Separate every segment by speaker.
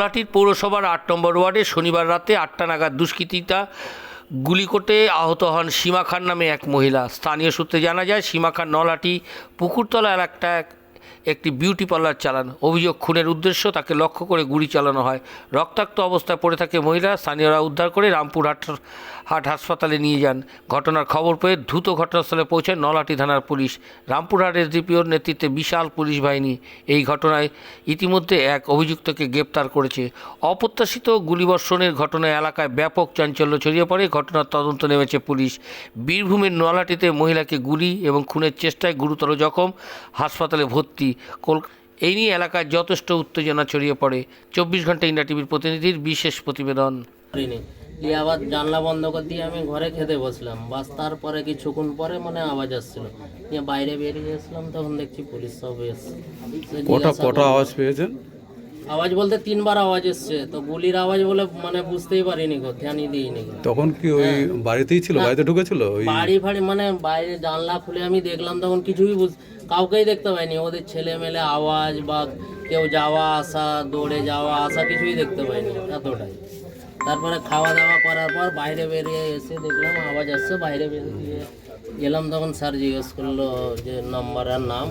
Speaker 1: নলহাটির পৌরসভার ৮ নম্বর ওয়ার্ডে শনিবার রাতে ৮টা নাগাদ দুষ্কৃতীরা গুলি করতে আহত হন সীমা খান নামে এক মহিলা। স্থানীয় সূত্রে জানা যায়, সীমা খান নলহাটি পুকুরতলা এলাকায় একটি বিউটি পার্লার চালান। অভিযোগ, খুনের উদ্দেশ্য তাকে লক্ষ্য করে গুলি চালানো হয়। রক্তাক্ত অবস্থায় পড়ে থাকে মহিলা। স্থানীয়রা উদ্ধার করে রামপুরহাট হাসপাতালে নিয়ে যান। ঘটনার খবর পেয়ে দ্রুত ঘটনাস্থলে পৌঁছায় নলহাটি থানার পুলিশ। রামপুরহাট এসডিপিওর নেতৃত্বে বিশাল পুলিশ বাহিনী এই ঘটনায় ইতিমধ্যে এক অভিযুক্তকে গ্রেপ্তার করেছে। অপ্রত্যাশিত গুলিবর্ষণের ঘটনায় এলাকায় ব্যাপক চাঞ্চল্য ছড়িয়ে পড়ে। ঘটনার তদন্ত নেমেছে পুলিশ। বীরভূমের নলহাটিতে মহিলাকে গুলি এবং খুনের চেষ্টায় গুরুতর জখম, হাসপাতালে ভর্তি। এই নিয়ে এলাকায় যথেষ্ট উত্তেজনা ছড়িয়ে পড়ে। 24 ঘন্টা ইন্ডিয়া টিভির প্রতিনিধির বিশেষ প্রতিবেদন।
Speaker 2: দিয়ে আবার জানলা বন্ধ করে দিয়ে আমি ঘরে খেতে বসলাম। বাস তারপরে কিছুক্ষণ পরে আওয়াজ আসছিল, দিয়ে বাইরে বেরিয়ে এসলাম, তখন দেখছি পুলিশ সব এসছে।
Speaker 3: কটা আওয়াজ পেয়েছেন?
Speaker 2: আওয়াজ বলতে 3বার আওয়াজ এসছে, তো গুলির আওয়াজ বলে বুঝতেই পারিনি গো, ধ্যানই দিইনি।
Speaker 3: তখন কি ওই বাড়িতেই ছিল, বাড়িতে ঢুকেছিল? ওই
Speaker 2: বাড়ি ফাড়ি বাইরে জানলা খুলে আমি দেখলাম, তখন কিছুই কাউকেই দেখতে পাইনি। ওদের ছেলে মেলে আওয়াজ বা কেউ যাওয়া আসা, দৌড়ে যাওয়া আসা কিছুই দেখতে পাইনি, এতটাই। তারপরে খাওয়া দাওয়া করার পর বাইরে বেরিয়ে এসে দেখলাম আওয়াজ আসছে, বাইরে বেরিয়ে গেলাম, তখন স্যার জিজ্ঞেস করলো যে নাম্বার আর নাম।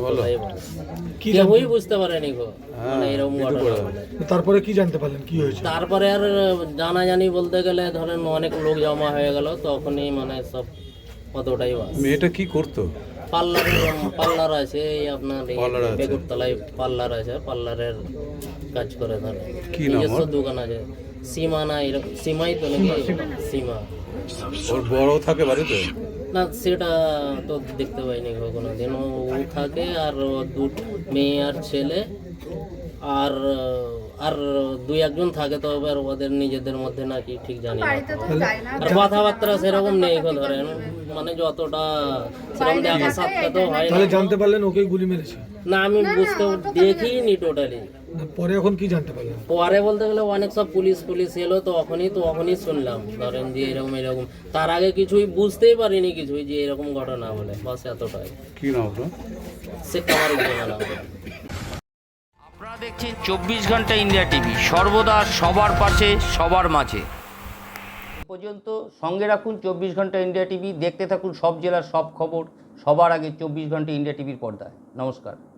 Speaker 2: কেউই বুঝতে পারেনি গো, এরকম ঘটনা।
Speaker 4: তারপরে কি জানতে পারলেন, কি হয়েছে?
Speaker 2: তারপরে আর জানাজানি বলতে গেলে ধরেন অনেক লোক জমা হয়ে গেল, তখনই সব কতটাই।
Speaker 3: মেয়েটা কি করতো?
Speaker 2: পার্লার আছে, এই আপনার বেগুরতলায় পার্লার আছে, পার্লারের কাজ করে। ধরেন নিজস্ব দোকান আছে। সীমা না, এরকম সীমাই তো নাকি? সীমা।
Speaker 3: ওর বড় থাকে বাড়িতে
Speaker 2: না, সেটা তো দেখতে পাইনি কোনোদিন। ও থাকে, আর মেয়ে আর ছেলে, আর আর 2-1 জন থাকে, তো এবার ওদের নিজেদের মধ্যে নাকি ঠিক জানি না। আর কথাবার্তা সেরকম নেই গো, ধরেন যতটা সেরকম দেখা সাক্ষাৎ তো হয় না।
Speaker 4: তাহলে জানতে পারলেন ওকে গুলি মেরেছে?
Speaker 2: না, আমি দেখিনি টোটালি।
Speaker 4: পরে এখন কি জানতে পারলেন?
Speaker 2: পরে বলতে গেলে অনেক সব পুলিশ এলো, তখনই শুনলাম ধরেন যে এরকম। তার আগে কিছুই বুঝতেই পারিনি, কিছুই যে এরকম ঘটনা বলে। বাস এতটাই।
Speaker 3: কি নাম আপনার?
Speaker 2: শেখ কামার উদ্দিন।
Speaker 1: আপনারা দেখছেন 24 ঘন্টা ইন্ডিয়া টিভি, সর্বদা সবার পাশে, সবার মাঝে। পর্যন্ত সঙ্গে রাখুন 24 ঘন্টা ইন্ডিয়া টিভি। দেখতে থাকুন সব জেলার সব খবর সবার আগে 24 ঘন্টা ইন্ডিয়া টিভির পর্দায়। নমস্কার।